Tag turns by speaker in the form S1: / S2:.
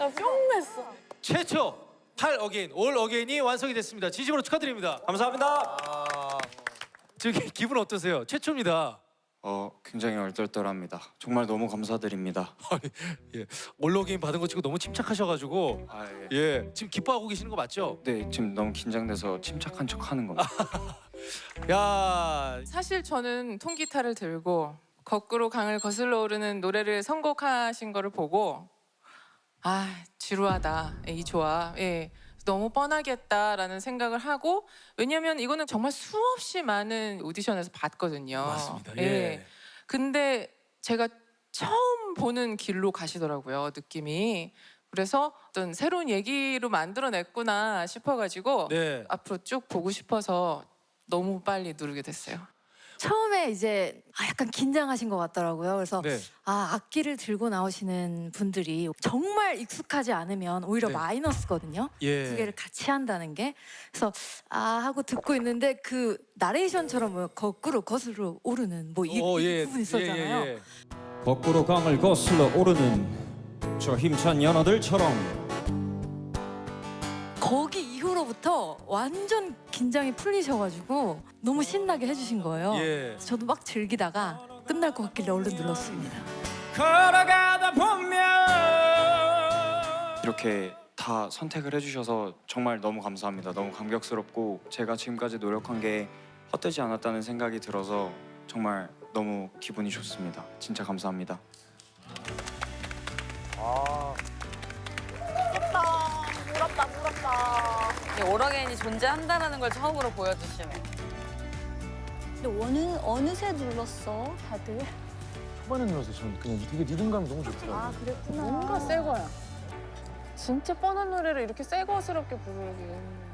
S1: 나 뿅 했어.
S2: 최초 8 어게인, 올 어게인이 완성이 됐습니다. 진심으로 축하드립니다.
S3: 감사합니다.
S2: 지금 기분 어떠세요? 최초입니다.
S3: 굉장히 얼떨떨합니다. 정말 너무 감사드립니다.
S2: 예, 올 어게인 받은 거 치고 너무 침착하셔가지고
S3: 예.
S2: 예, 지금 기뻐하고 계시는 거 맞죠?
S3: 네, 지금 너무 긴장돼서 침착한 척하는 겁니다.
S2: 야,
S1: 사실 저는 통기타를 들고 거꾸로 강을 거슬러 오르는 노래를 선곡하신 거를 보고 지루하다 이 조합 너무 뻔하겠다라는 생각을 하고 왜냐면 이거는 정말 수없이 많은 오디션에서 봤거든요.
S2: 맞습니다. 예.
S1: 근데 제가 처음 보는 길로 가시더라고요, 느낌이. 그래서 어떤 새로운 얘기로 만들어냈구나 싶어가지고
S2: 네.
S1: 앞으로 쭉 보고 싶어서 너무 빨리 누르게 됐어요.
S4: 처음에 이제 약간 긴장하신 것 같더라고요. 그래서
S2: 네.
S4: 악기를 들고 나오시는 분들이 정말 익숙하지 않으면 오히려
S2: 네.
S4: 마이너스거든요.
S2: 예.
S4: 두 개를 같이 한다는 게. 그래서 하고 듣고 있는데 그 나레이션처럼 뭐 거꾸로 거슬러 오르는 뭐 이 부분 있었잖아요.
S2: 예.
S5: 거꾸로 강을 거슬러 오르는 저 힘찬 연어들처럼.
S4: 거기 이후로부터 완전 긴장이 풀리셔가지고 너무 신나게 해주신 거예요.
S2: 예.
S4: 저도 막 즐기다가 끝날 것 같길래 얼른 눌렀습니다.
S5: 걸어가다 보면
S3: 이렇게 다 선택을 해주셔서 정말 너무 감사합니다. 너무 감격스럽고 제가 지금까지 노력한 게 헛되지 않았다는 생각이 들어서 정말 너무 기분이 좋습니다. 진짜 감사합니다.
S6: 오라게인이 존재한다는 걸 처음으로 보여주시네.
S7: 근데 어느새 눌렀어, 다들.
S8: 초반에 눌러서 저는 그냥 되게 리듬감이 너무 좋더라고요.
S7: 아, 그랬구나.
S1: 뭔가 새 거야. 진짜 뻔한 노래를 이렇게 새 거스럽게 부르기.